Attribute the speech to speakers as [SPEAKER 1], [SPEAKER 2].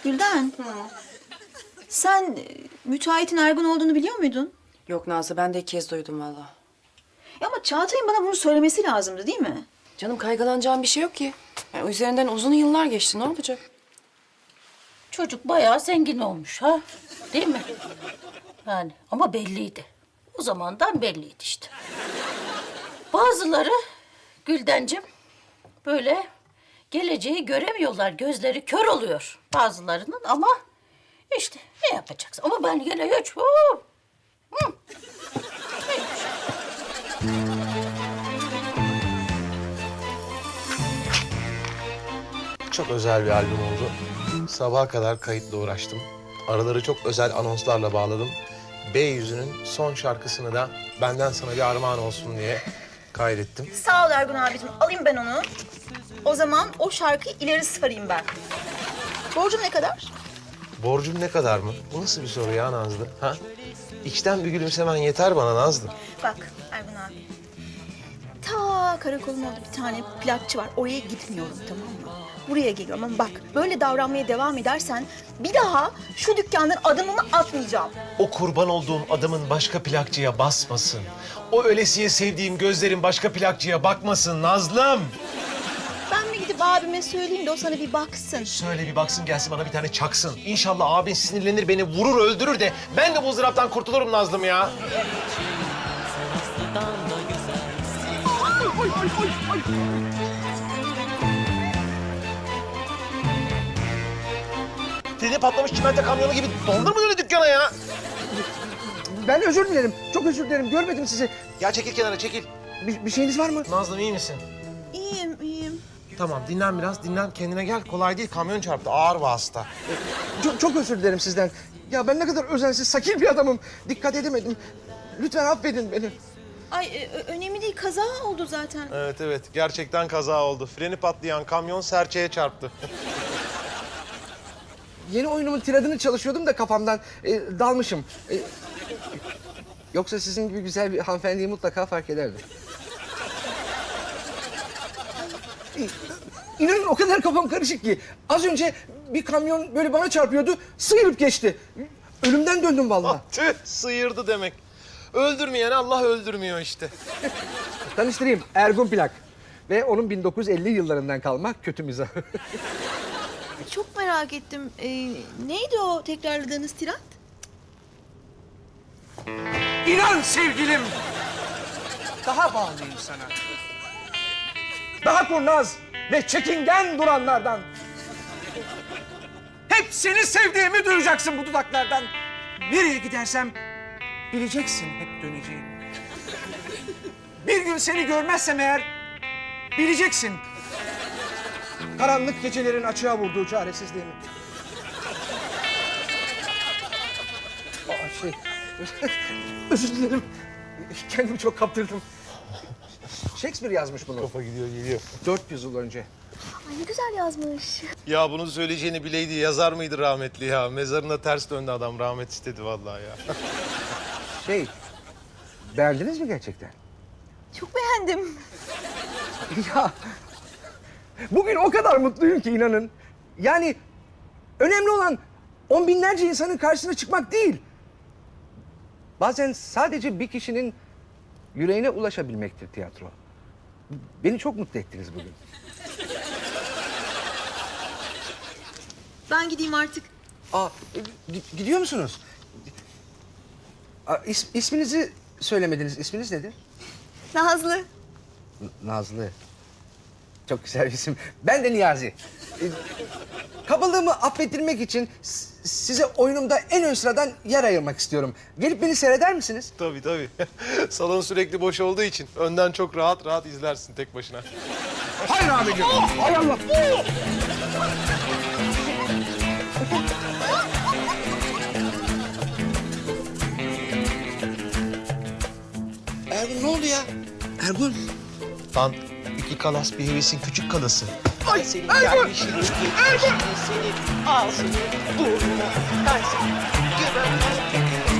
[SPEAKER 1] Gülden. Sen müteahhitin Ergun olduğunu biliyor muydun?
[SPEAKER 2] Yok Nazlı, ben de ilk kez duydum valla.
[SPEAKER 1] Ya ama Çağatay'ın bana bunu söylemesi lazımdı değil mi?
[SPEAKER 2] Canım, kaygılanacağım bir şey yok ki. Yani üzerinden uzun yıllar geçti, ne olacak?
[SPEAKER 3] Çocuk bayağı zengin olmuş ha. Değil mi? Yani ama belliydi. O zamandan belliydi işte. Bazıları Güldencim böyle geleceği göremiyorlar. Gözleri kör oluyor bazılarının ama işte ne yapacaksın? Ama ben yine hiç...
[SPEAKER 4] Çok özel bir albüm oldu. Sabaha kadar kayıtla uğraştım. Araları çok özel anonslarla bağladım. B yüzünün son şarkısını da benden sana bir armağan olsun diye kaydettim.
[SPEAKER 1] Sağ ol Ergun abicim. Alayım ben onu. O zaman o şarkıyı ileri sarayım ben. Borcum ne kadar?
[SPEAKER 4] Borcum ne kadar mı? Bu nasıl bir soru ya Nazlı? Ha? İçten bir gülümsemen yeter bana Nazlı.
[SPEAKER 1] Bak Ergun abi. Ta karakolun orada bir tane plakçı var. Oraya gitmiyorum, tamam mı? Buraya geliyorum ama bak böyle davranmaya devam edersen bir daha şu dükkandan adımımı atmayacağım.
[SPEAKER 4] O kurban olduğum adamın başka plakçıya basmasın. O ölesiye sevdiğim gözlerin başka plakçıya bakmasın Nazlım.
[SPEAKER 1] Ben mi gidip abime söyleyeyim de o sana bir baksın.
[SPEAKER 4] Söyle bir baksın gelsin bana bir tane çaksın. İnşallah abin sinirlenir beni vurur öldürür de ben de bu ızdıraptan kurtulurum Nazlım ya. Freni patlamış çimento kamyonu gibi dondurma öyle dükkana ya.
[SPEAKER 5] Ben özür dilerim. Çok özür dilerim. Görmedim sizi.
[SPEAKER 4] Ya çekil kenara çekil.
[SPEAKER 5] Bir şeyiniz var mı?
[SPEAKER 4] Nazlım iyi misin?
[SPEAKER 1] İyiyim, iyiyim.
[SPEAKER 4] Tamam dinlen biraz dinlen kendine gel. Kolay değil kamyon çarptı ağır vasıta.
[SPEAKER 5] Çok özür dilerim sizden. Ya ben ne kadar özensiz, sakil bir adamım. Dikkat edemedim. Lütfen affedin beni.
[SPEAKER 1] Ay önemli değil, kaza oldu zaten.
[SPEAKER 4] Evet gerçekten kaza oldu. Freni patlayan kamyon serçeye çarptı.
[SPEAKER 5] Yeni oyunumun tiradını çalışıyordum da kafamdan dalmışım. Yoksa sizin gibi güzel bir hanımefendiyi mutlaka fark ederdim. İnanın o kadar kafam karışık ki. Az önce bir kamyon böyle bana çarpıyordu, sıyırıp geçti. Ölümden döndüm vallahi.
[SPEAKER 4] Tüh sıyırdı demek. Öldürmeyen Allah öldürmüyor işte.
[SPEAKER 5] Tanıştırayım, Ergun Plak. Ve onun 1950 yıllarından kalma kötü mizahı.
[SPEAKER 1] Çok merak ettim. Neydi o tekrarladığınız tirat?
[SPEAKER 5] İnan sevgilim, daha bağlıyım sana. Daha kurnaz ve çekingen duranlardan. Hep seni sevdiğimi duyacaksın bu dudaklardan. Nereye gidersem bileceksin hep döneceğimi. Bir gün seni görmezsem eğer bileceksin. Karanlık gecelerin açığa vurduğu çaresizliğimi. Özür dilerim. Kendimi çok kaptırdım. Shakespeare yazmış bunu.
[SPEAKER 4] Kafa gidiyor geliyor.
[SPEAKER 5] 400 yıl önce.
[SPEAKER 1] Ay ne güzel yazmış.
[SPEAKER 4] Ya bunu söyleyeceğini bileydi yazar mıydı rahmetli ya? Mezarına ters döndü adam rahmet istedi vallahi ya.
[SPEAKER 5] Beğendiniz mi gerçekten?
[SPEAKER 1] Çok beğendim.
[SPEAKER 5] Ya, bugün o kadar mutluyum ki inanın. Yani önemli olan on binlerce insanın karşısına çıkmak değil. Bazen sadece bir kişinin yüreğine ulaşabilmektir tiyatro. Beni çok mutlu ettiniz bugün.
[SPEAKER 1] Ben gideyim artık.
[SPEAKER 5] Gidiyor musunuz? İsminizi söylemediniz. İsminiz nedir?
[SPEAKER 1] Nazlı.
[SPEAKER 5] Nazlı. Çok güzel bir isim. Ben de Niyazi. Kabalığımı affettirmek için size oyunumda en ön sıradan yer ayırmak istiyorum. Gelip beni seyreder misiniz?
[SPEAKER 4] Tabii. Salon sürekli boş olduğu için önden çok rahat izlersin tek başına.
[SPEAKER 5] Hayır abicim. Hay Allah. Ergun ne oldu ya? Ergun.
[SPEAKER 4] Lan iki kalas bir hevesin küçük kalası.
[SPEAKER 5] Ay,
[SPEAKER 4] Senin
[SPEAKER 5] Ergun!
[SPEAKER 4] gelmişini, geçmişini, seni ağzını, burnunu, ben seni